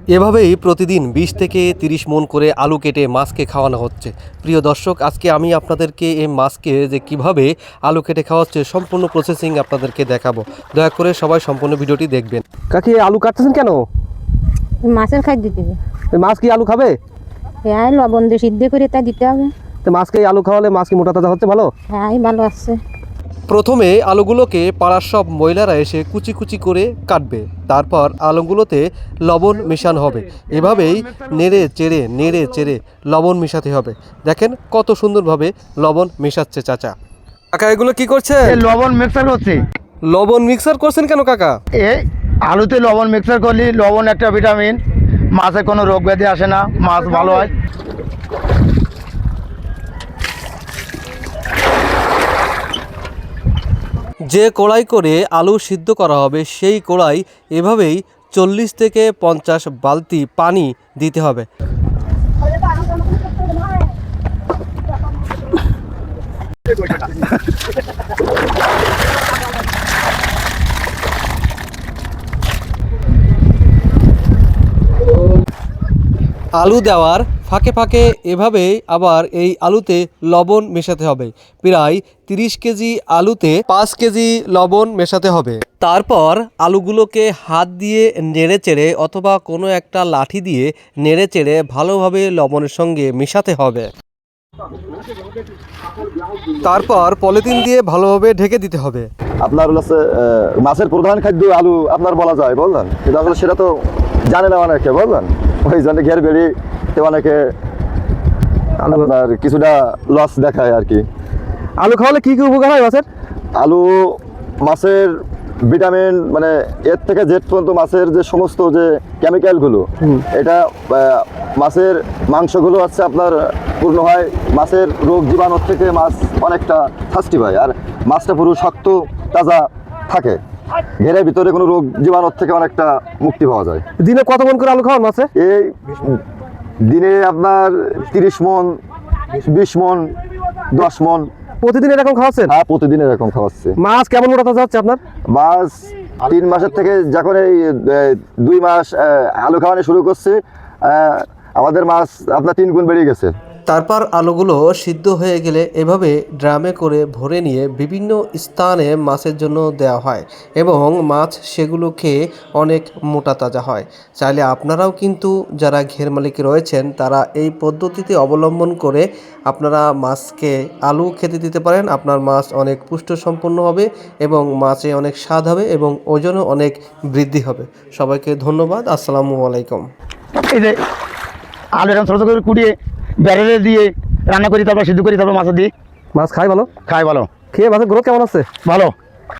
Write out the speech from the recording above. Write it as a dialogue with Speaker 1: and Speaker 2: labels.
Speaker 1: এভাবেই প্রতিদিন ২০ থেকে ৩০ মণ করে আলু কেটে মাছকে খাওয়ানো হচ্ছে। প্রিয় দর্শক, আজকে আমি আপনাদেরকে এই মাছকে যে কিভাবে আলু কেটে খাওয়াচ্ছে সম্পূর্ণ প্রসেসিং আপনাদেরকে দেখাবো। দয়া করে সবাই সম্পূর্ণ ভিডিওটি দেখবেন। কাকি, আলু কাটতেছেন কেন?
Speaker 2: মাছের খাদ্য দিবে।
Speaker 1: মাছ কি আলু খাবে?
Speaker 2: হ্যাঁ, লবণ দিয়ে সিদ্ধ করে তা দিতে হবে।
Speaker 1: তো মাছকে আলু খাওয়ালে মাছ কি মোটা তাজা হচ্ছে ভালো?
Speaker 2: হ্যাঁ, ভালো আছে।
Speaker 1: প্রথমে আলুগুলোকে পাড়ার সব মহিলারা এসে কুচি কুচি করে কাটবে। তারপর আলুগুলোতে লবণ মেশানো হবে। এভাবেই নেড়ে চেড়ে লবণ মেশাতে হবে। দেখেন কত সুন্দরভাবে লবণ মেশাচ্ছে চাচা। কাকা, এগুলো কি করছে?
Speaker 3: লবণ মিক্সার করছি।
Speaker 1: লবণ মিক্সার করছেন কেন কাকা?
Speaker 3: এই আলুতে লবণ মিক্সার করলে লবণ একটা ভিটামিন, মাছে কোনো রোগ ব্যাধি আসে না, মাছ ভালো হয়।
Speaker 1: যে কড়াই করে আলু সিদ্ধ করা হবে সেই কড়াই এভাবেই 40 থেকে 50 বালতি পানি দিতে হবে। আলু দেওয়ার ফাঁকে ফাঁকে এভাবে আবার এই আলুতে লবণ মেশাতে হবে। প্রায় 30 কেজি আলুতে 5 কেজি লবণ মেশাতে হবে। তারপর আলুগুলোকে হাত দিয়ে নেড়ে চেড়ে অথবা কোনো একটা লাঠি দিয়ে নেড়ে চেড়ে ভালোভাবে লবণের সঙ্গে মেশাতে হবে। তারপর পলিথিন দিয়ে ভালোভাবে ঢেকে দিতে হবে।
Speaker 4: আপনার হচ্ছে মাছের প্রধান খাদ্য আলু আপনার বলা যায়, বললেন, কিন্তু আসলে সেটা তো জানে না অনেকে, বললেন। ওই জন্য ঘের বেরিয়ে অনেকে আপনার কিছুটা লস দেখায় আর কি।
Speaker 1: আলু খাওয়ালে কি কি উপকার হয় মাছের?
Speaker 4: আলু মাছের ভিটামিন, মানে এর থেকে জেড পর্যন্ত মাছের যে সমস্ত যে কেমিক্যালগুলো, এটা মাছের মাংসগুলো হচ্ছে আপনার পূর্ণ হয়। মাছের রোগ জীবাণুর থেকে মাছ অনেকটা শাস্তি পায়, আর মাছটা পুরো শক্ত তাজা থাকে। ঘেরের ভিতরে কোনো রোগ জীবাণুর থেকে অনেকটা মুক্তি পাওয়া যায়।
Speaker 1: দিনে কত মণ করে আলু খাওয়ান মাছে?
Speaker 4: এই দিনে আপনার 30 মণ, 20 মণ, 10 মণ।
Speaker 1: প্রতিদিন এরকম খাওয়াচ্ছেন?
Speaker 4: হ্যাঁ, প্রতিদিন এরকম খাওয়াচ্ছে।
Speaker 1: মাছ কেমন মোটা তাজা হচ্ছে আপনার?
Speaker 4: মাছ 3 মাসের থেকে যখন এই 2 মাস আলু খাওয়ানো শুরু করছে, আমাদের মাছ আপনার 3 গুণ বেড়ে গেছে।
Speaker 1: তারপর আলুগুলো সিদ্ধ হয়ে গেলে এভাবে ড্রামে করে ভরে নিয়ে বিভিন্ন স্থানে মাছের জন্য দেওয়া হয় এবং মাছ সেগুলো খেয়ে অনেক মোটা তাজা হয়। চাইলে আপনারাও কিন্তু যারা ঘের মালিক রয়েছেন তারা এই পদ্ধতিতে অবলম্বন করে আপনারা মাছকে আলু খেতে দিতে পারেন। আপনার মাছ অনেক পুষ্টিসম্পন্ন হবে এবং মাছে অনেক স্বাদ হবে এবং ওজনও অনেক বৃদ্ধি হবে। সবাইকে ধন্যবাদ। আসসালামু আলাইকুম।
Speaker 3: এই যে আলু এরকম ছোটো ছোটো করে কুটিয়ে ব্যারেলে দিয়ে রান্না করি, তারপর সিদ্ধ করি, তারপর মাছ দিই।
Speaker 1: মাছ খাই ভালো?
Speaker 3: খাই ভালো।
Speaker 1: খেয়ে মাছের গ্রোথ কেমন আছে?
Speaker 3: ভালো।